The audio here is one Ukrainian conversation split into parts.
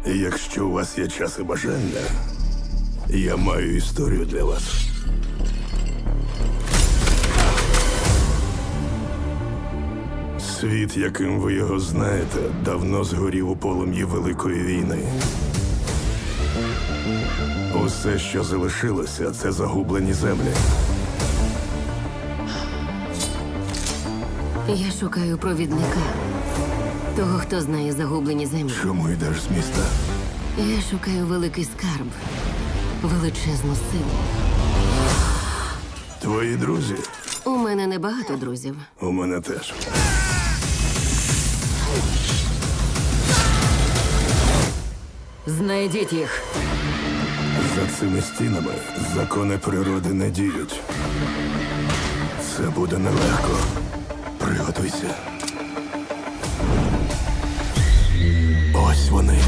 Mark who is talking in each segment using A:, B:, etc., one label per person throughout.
A: Якщо у вас є час і бажання, я маю історію для вас. Світ, яким ви його знаєте, давно згорів у полум'ї Великої війни. Усе, що залишилося, це загублені землі.
B: Я шукаю провідника. Того, хто знає загублені землі.
A: Чому йдеш з міста?
B: Я шукаю великий скарб. Величезну силу.
A: Твої друзі?
B: У мене небагато друзів.
A: У мене теж.
B: Знайдіть їх.
A: За цими стінами закони природи не діють. Це буде нелегко. Приготуйся. Ось вони.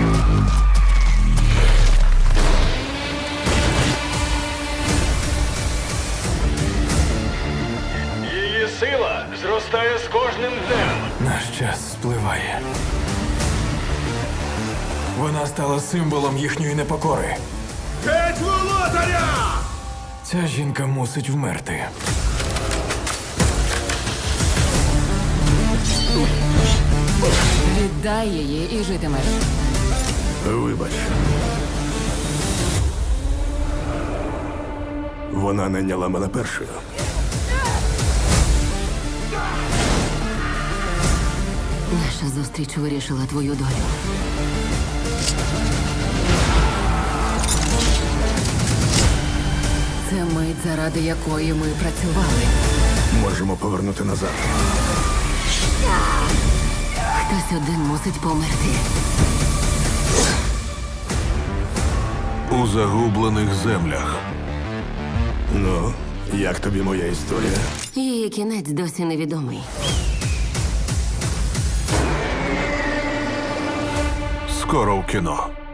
C: Її сила зростає з кожним днем.
D: Наш час спливає. Вона стала символом їхньої непокори.
C: Геть володаря!
D: Ця жінка мусить вмерти.
B: Віддай її і житимеш.
A: Вибач. Вона найняла мене першою.
B: Наша зустріч вирішила твою долю. Це мить, заради якої ми працювали.
A: Можемо повернути назад.
B: Хтось один мусить померти.
A: У загублених землях. Ну, як тобі моя історія?
B: Її кінець досі невідомий.
A: Скоро в кіно.